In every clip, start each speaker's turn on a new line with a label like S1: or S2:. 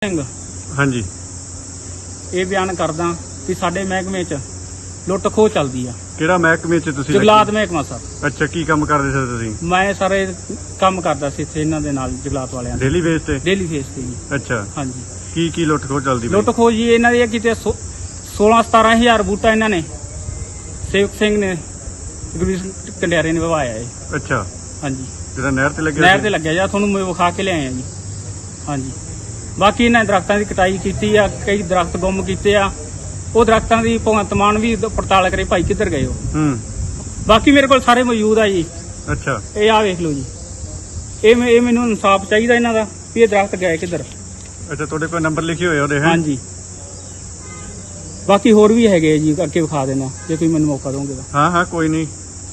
S1: ਸਿੰਘ
S2: ਹਾਂਜੀ
S1: ਇਹ ਬਿਆਨ ਕਰਦਾ ਕਿ ਸਾਡੇ ਮਹਿਕਮੇ 'ਚ ਲੁੱਟ ਖੋਹ ਚੱਲਦੀ ਆ।
S2: ਕਿਹੜਾ ਮਹਿਕਮੇ 'ਚ ਤੁਸੀਂ
S1: ਜੰਗਲਾਤ ਮਹਿਕਮਾ ਸਰ।
S2: ਅੱਛਾ, ਕੀ ਕੰਮ ਕਰਦੇ ਸੀ ਤੁਸੀਂ?
S1: ਮੈਂ ਸਾਰੇ ਕੰਮ ਕਰਦਾ ਸੀ ਇੱਥੇ ਇਹਨਾਂ ਦੇ ਨਾਲ ਜੰਗਲਾਤ ਵਾਲਿਆਂ ਦੇ
S2: ਡੇਲੀ ਬੇਸ ਤੇ?
S1: ਡੇਲੀ ਫੇਸ ਤੇ ਜੀ।
S2: ਅੱਛਾ,
S1: ਹਾਂਜੀ।
S2: ਕੀ ਲੁੱਟ ਖੋਹ ਚੱਲਦੀ ਪਈ?
S1: ਲੁੱਟ ਖੋਹ ਜੀ ਇਹਨਾਂ ਦੀ ਕਿਤੇ 16-17 ਹਜ਼ਾਰ ਬੂਟਾ ਇਹਨਾਂ ਨੇ ਸੇਵਕ ਸਿੰਘ ਨੇ ਕੰਡਿਆਰੇ ਨੇ ਵਵਾਇਆ ਹੈ।
S2: ਅੱਛਾ,
S1: ਹਾਂਜੀ,
S2: ਜਿਹੜਾ ਨਹਿਰ ਤੇ ਲੱਗਿਆ?
S1: ਨਹਿਰ ਤੇ ਲੱਗਿਆ ਜਾਂ ਤੁਹਾਨੂੰ ਮੈਂ ਵਿਖਾ ਕੇ ਲਿਆਏ ਆ ਜੀ। ਹਾਂਜੀ, ਬਾਕੀ ਇਹਨਾਂ ਦਰਖਤਾਂ ਦੀ ਕਟਾਈ ਕੀਤੀ ਆ, ਕਈ ਦਰਖਤ ਗੁੰਮ ਕੀਤੇ ਆ। ਉਹ ਦਰਖਤਾਂ ਦੀ ਭਗਵੰਤ ਮਾਨ ਵੀ ਪੜਤਾਲ ਕਰੇ ਭਾਈ ਕਿੱਧਰ ਗਏ ਹੋ। ਬਾਕੀ ਮੇਰੇ ਕੋਲ ਸਾਰੇ ਮੌਜੂਦ ਆ ਜੀ।
S2: ਅੱਛਾ,
S1: ਇਹ ਆ ਵੇਖ ਲਓ ਜੀ। ਇਹ ਮੈਨੂੰ ਇਨਸਾਫ ਚਾਹੀਦਾ ਇਹਨਾਂ ਦਾ ਵੀ ਇਹ ਦਰਖਤ ਗਏ ਕਿੱਧਰ।
S2: ਅੱਛਾ, ਤੁਹਾਡੇ ਕੋਲ ਨੰਬਰ ਲਿਖੇ ਹੋਏ ਉਹਦੇ?
S1: ਹਾਂਜੀ, ਬਾਕੀ ਹੋਰ ਵੀ ਹੈਗੇ ਜੀ, ਅੱਗੇ ਵਿਖਾ ਦੇਣਾ ਜੇ ਤੁਸੀਂ ਮੈਨੂੰ ਮੌਕਾ ਦੋਗੇ ਤਾਂ।
S2: ਹਾਂ, ਕੋਈ ਨਹੀਂ।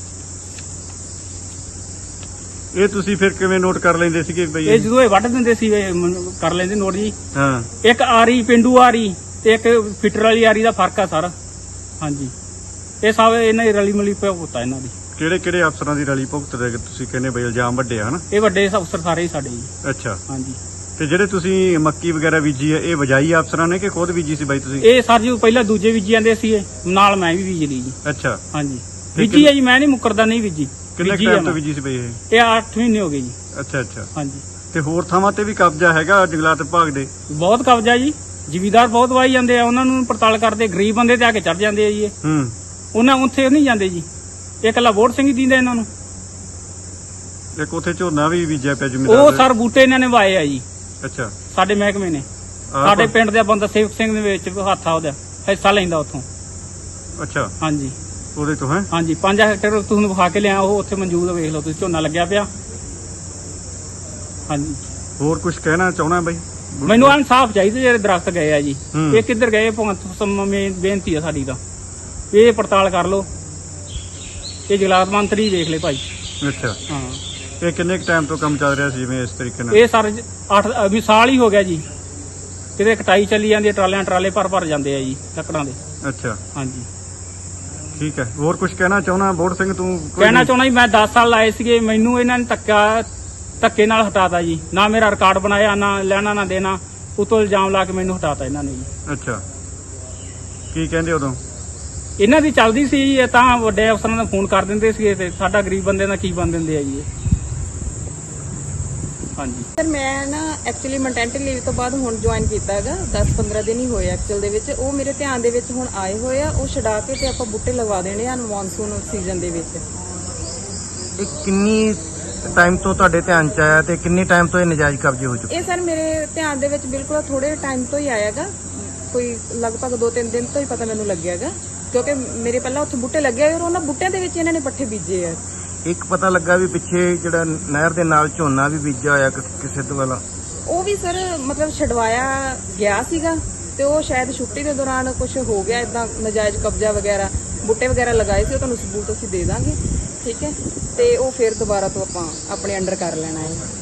S2: ਇਹ ਤੁਸੀਂ ਫਿਰ ਕਿਵੇਂ ਨੋਟ ਕਰ ਲੈਂਦੇ ਸੀਗੇ ਬਈ?
S1: ਇਹ ਜਦੋਂ ਇਹ ਵੱਢ ਦਿੰਦੇ ਸੀ ਕਰ ਲੈਂਦੇ ਨੋਟ ਜੀ।
S2: ਹਾਂ,
S1: ਇੱਕ ਆਰੀ ਪਿੰਡੂ ਆਰੀ ਤੇ ਇੱਕ ਫਿਟਰ ਵਾਲੀ ਆਰੀ ਦਾ ਫਰਕ ਆ ਸਰ। ਹਾਂਜੀ, ਇਹ ਸਭ ਇਹਨਾਂ ਦੀ ਰਲੀ ਮਿਲੀ ਭੁਗਤਾ ਇਹਨਾਂ ਦੀ।
S2: ਕਿਹੜੇ ਕਿਹੜੇ ਅਫਸਰਾਂ ਦੀ ਰਲੀ ਭੁਗਤ ਦੇ ਤੁਸੀਂ ਕਹਿੰਦੇ ਬਈ ਇਲਜ਼ਾਮ ਵੱਡੇ ਹਨ?
S1: ਇਹ ਵੱਡੇ ਅਫਸਰ ਸਾਰੇ ਹੀ ਸਾਡੇ ਜੀ।
S2: ਅੱਛਾ,
S1: ਹਾਂਜੀ।
S2: ਤੇ ਜਿਹੜੇ ਤੁਸੀਂ ਮੱਕੀ ਵਗੈਰਾ ਬੀਜੀ ਹੈ, ਇਹ ਵਜਾਈ ਅਫਸਰਾਂ ਨੇ ਕਿ ਖੁਦ ਬੀਜੀ ਸੀ ਬਾਈ ਤੁਸੀਂ?
S1: ਇਹ ਸਰ ਜੀ ਪਹਿਲਾਂ ਦੂਜੇ ਬੀਜੀ ਜਾਂਦੇ ਸੀ, ਨਾਲ ਮੈਂ ਵੀ ਬੀਜ ਲਈ ਜੀ।
S2: ਅੱਛਾ,
S1: ਹਾਂਜੀ, ਬੀਜੀ ਹੈ ਜੀ, ਮੈਂ ਨਹੀਂ ਮੁੱਕਰਦਾ, ਨਹੀਂ ਬੀਜੀ।
S2: ਕਿੰਨੇ ਟਾਈਮ ਤੋਂ ਬੀਜੀ ਸੀ ਬਈ ਇਹ?
S1: ਇਹ 8 ਮਹੀਨੇ ਹੋ ਗਏ ਜੀ।
S2: ਅੱਛਾ ਅੱਛਾ।
S1: ਹਾਂਜੀ,
S2: ਤੇ ਹੋਰ ਥਾਵਾਂ ਤੇ ਵੀ ਕਬਜ਼ਾ ਹੈਗਾ ਜੰਗਲਾਤ ਵਿਭਾਗ ਦੇ?
S1: ਬਹੁਤ ਕਬਜ਼ਾ ਜੀ। ਜ਼ਿਮੀਦਾਰ ਬਹੁਤ ਵਾਈ ਜਾਂਦੇ ਆ, ਉਹਨਾਂ ਨੂੰ ਪੜਤਾਲ ਕਰਦੇ। ਗਰੀਬ ਬੰਦੇ ਤੇ ਆ ਕੇ ਚੜ ਜਾਂਦੇ ਆ ਜੀ ਇਹ। ਉਹਨਾਂ ਉੱਥੇ ਨਹੀਂ ਜਾਂਦੇ ਜੀ। ਇਹ ਇਕੱਲਾ ਵੋਟ ਸਿੰਘ ਹੀ ਦਿੰਦਾ ਇਹਨਾਂ ਨੂੰ।
S2: ਇੱਕ ਉੱਥੇ ਝੋਨਾ ਵੀ ਬੀਜਿਆ ਪਿਆ ਜ਼ਮੀਨਦਾਰ
S1: ਉਹ ਸਰ ਬੂਟੇ ਇਹਨਾਂ ਨੇ ਵਾਏ ਆ ਜੀ।
S2: ਅੱਛਾ,
S1: ਸਾਡੇ ਮਹਿਕਮੇ ਨੇ। ਸਾਡੇ ਪਿੰਡ ਦਾ ਬੰਦਾ ਸੇਵਕ ਸਿੰਘ ਦੇ ਵਿੱਚ ਹੱਥ ਆ, ਉਹਦਾ ਹਿੱਸਾ ਲੈਂਦਾ ਉੱਥੋਂ।
S2: ਅੱਛਾ,
S1: ਹਾਂਜੀ,
S2: ਉਹਦੇ ਤੋਂ ਹੈ?
S1: ਹਾਂਜੀ, 5 ਹੈਕਟੇਅਰ ਤੁਹਾਨੂੰ ਵਿਖਾ ਕੇ ਲਿਆ, ਉਹ ਉੱਥੇ ਮੌਜੂਦ ਵੇਖ ਲਓ ਤੁਸੀਂ, ਝੋਨਾ ਲੱਗਿਆ ਪਿਆ। ਹਾਂਜੀ,
S2: ਹੋਰ ਕੁਝ ਕਹਿਣਾ ਚਾਹਣਾ ਬਾਈ?
S1: ਮੈਨੂੰ ਇਨਸਾਫ ਚਾਹੀਦਾ। ਜਿਹੜੇ ਦਰਖਤ ਗਏ ਆ ਜੀ, ਇਹ ਕਿੱਧਰ ਗਏ? ਭਗਵੰਤ ਬੇਨਤੀ ਆ ਸਾਡੀ ਤਾਂ ਇਹ ਪੜਤਾਲ ਕਰ ਲਓ। ਇਹ ਜੰਗਲਾਤ ਮੰਤਰੀ ਵੇਖ ਲੈ ਭਾਈ।
S2: ਅੱਛਾ,
S1: ਹਾਂ।
S2: ਇਹ ਕਿੰਨੇ ਟਾਈਮ ਤੋਂ ਕੰਮ ਚੱਲ ਰਿਹਾ ਸੀ ਜਿਵੇਂ ਇਸ ਤਰੀਕੇ ਨਾਲ?
S1: ਇਹ ਸਰ 8 ਸਾਲ ਹੀ ਹੋ ਗਿਆ ਜੀ। ਕਿਤੇ ਕਟਾਈ ਚੱਲੀ ਜਾਂਦੀ ਹੈ, ਟਰਾਲੇ ਭਰ ਜਾਂਦੇ ਆ ਜੀ ਲੱਕੜਾਂ ਦੇ।
S2: ਅੱਛਾ,
S1: ਹਾਂਜੀ,
S2: ਠੀਕ ਹੈ। ਹੋਰ ਕੁਝ ਕਹਿਣਾ ਚਾਹਣਾ ਬੋੜ ਸਿੰਘ ਤੂੰ?
S1: ਕਹਿਣਾ ਚਾਹੁੰਦਾ ਜੀ, ਮੈਂ 10 ਸਾਲ ਲਾਏ ਸੀਗੇ, ਮੈਨੂੰ ਇਹਨਾਂ ਨੇ ਧੱਕੇ ਨਾਲ ਹਟਾਤਾ ਜੀ। ਨਾ ਮੇਰਾ ਰਿਕਾਰਡ ਬਣਾਇਆ, ਨਾ ਲੈਣਾ ਨਾ ਦੇਣਾ, ਉਤੋਂ ਇਲਜ਼ਾਮ ਲਾ ਕੇ ਮੈਨੂੰ ਹਟਾਤਾ ਇਹਨਾਂ ਨੇ ਜੀ।
S2: ਅੱਛਾ, ਕੀ ਕਹਿੰਦੇ ਉਦੋਂ?
S1: ਇਹਨਾਂ ਦੀ ਚੱਲਦੀ ਸੀ ਜੀ। ਇਹ ਤਾਂ ਵੱਡੇ ਅਫਸਰਾਂ ਨੂੰ ਫੋਨ ਕਰ ਦਿੰਦੇ ਸੀਗੇ ਤੇ ਸਾਡਾ ਗਰੀਬ ਬੰਦੇ ਦਾ ਕੀ ਬਣ ਦਿੰਦੇ ਆ ਜੀ ਇਹ। ਹਾਂਜੀ
S3: ਸਰ, ਮੈਂ ਨਾ ਐਕਚੁਅਲੀ ਮੈਟਰਨਿਟੀ ਲੀਵ ਤੋਂ ਬਾਅਦ ਹੁਣ ਜੁਆਇਨ ਕੀਤਾ ਹੈਗਾ। 10-15 ਦਿਨ ਹੀ ਹੋਏ ਐਕਚੁਅਲ ਦੇ ਵਿੱਚ। ਉਹ ਮੇਰੇ ਧਿਆਨ ਦੇ ਵਿੱਚ ਹੁਣ ਆਏ ਹੋਏ ਆ। ਉਹ ਛਡਾ ਕੇ ਤੇ ਆਪਾਂ ਬੂਟੇ ਲਗਾ ਦੇਣੇ ਆ ਮੌਨਸੂਨ ਸੀਜ਼ਨ ਦੇ ਵਿੱਚ।
S4: ਇਹ ਕਿੰਨੀ ਟਾਈਮ ਤੋਂ ਤੁਹਾਡੇ ਧਿਆਨ ਚ ਆਇਆ ਤੇ ਕਿੰਨੇ ਟਾਈਮ ਤੋਂ ਇਹ ਨਜਾਇਜ਼ ਕਬਜ਼ੇ ਹੋ ਚੁੱਕੇ?
S3: ਇਹ ਸਰ ਮੇਰੇ ਧਿਆਨ ਦੇ ਵਿੱਚ ਬਿਲਕੁਲ ਥੋੜੇ ਟਾਈਮ ਤੋਂ ਹੀ ਆਇਆਗਾ। ਕੋਈ ਲਗਭਗ 2-3 ਦਿਨ ਤੋਂ ਹੀ ਪਤਾ ਮੈਨੂੰ ਲੱਗਿਆਗਾ, ਕਿਉਂਕਿ ਮੇਰੇ ਪਹਿਲਾਂ ਉੱਥੇ ਬੂਟੇ ਲੱਗੇ ਹੋਏ ਔਰ ਉਹਨਾਂ ਬੂਟਿਆਂ ਦੇ ਵਿੱਚ ਇਹਨਾਂ ਨੇ ਪੱਠੇ ਬੀਜੇ ਆ।
S4: ਇੱਕ ਪਤਾ ਲੱਗਾ ਵੀ ਪਿੱਛੇ ਜਿਹੜਾ ਨਹਿਰ ਦੇ ਨਾਲ ਝੋਨਾ ਵੀ ਬੀਜਿਆ ਹੋਇਆ ਕਿਸੇ ਤੋਂ ਵਾਲਾ,
S3: ਉਹ ਵੀ ਸਰ ਮਤਲਬ ਛਡਵਾਇਆ ਗਿਆ ਸੀਗਾ ਤੇ ਉਹ ਸ਼ਾਇਦ ਛੁੱਟੀ ਦੇ ਦੌਰਾਨ ਕੁਝ ਹੋ ਗਿਆ ਇਦਾਂ ਨਜਾਇਜ਼ ਕਬਜ਼ਾ ਵਗੈਰਾ। ਬੂਟੇ ਵਗੈਰਾ ਲਗਾਏ ਸੀ, ਉਹ ਤੁਹਾਨੂੰ ਸਬੂਤ ਅਸੀਂ ਦੇ ਦਾਂਗੇ, ਠੀਕ ਹੈ। ਤੇ ਉਹ ਫਿਰ ਦੁਬਾਰਾ ਤੋਂ ਆਪਾਂ ਆਪਣੇ ਅੰਡਰ ਕਰ ਲੈਣਾ ਹੈ।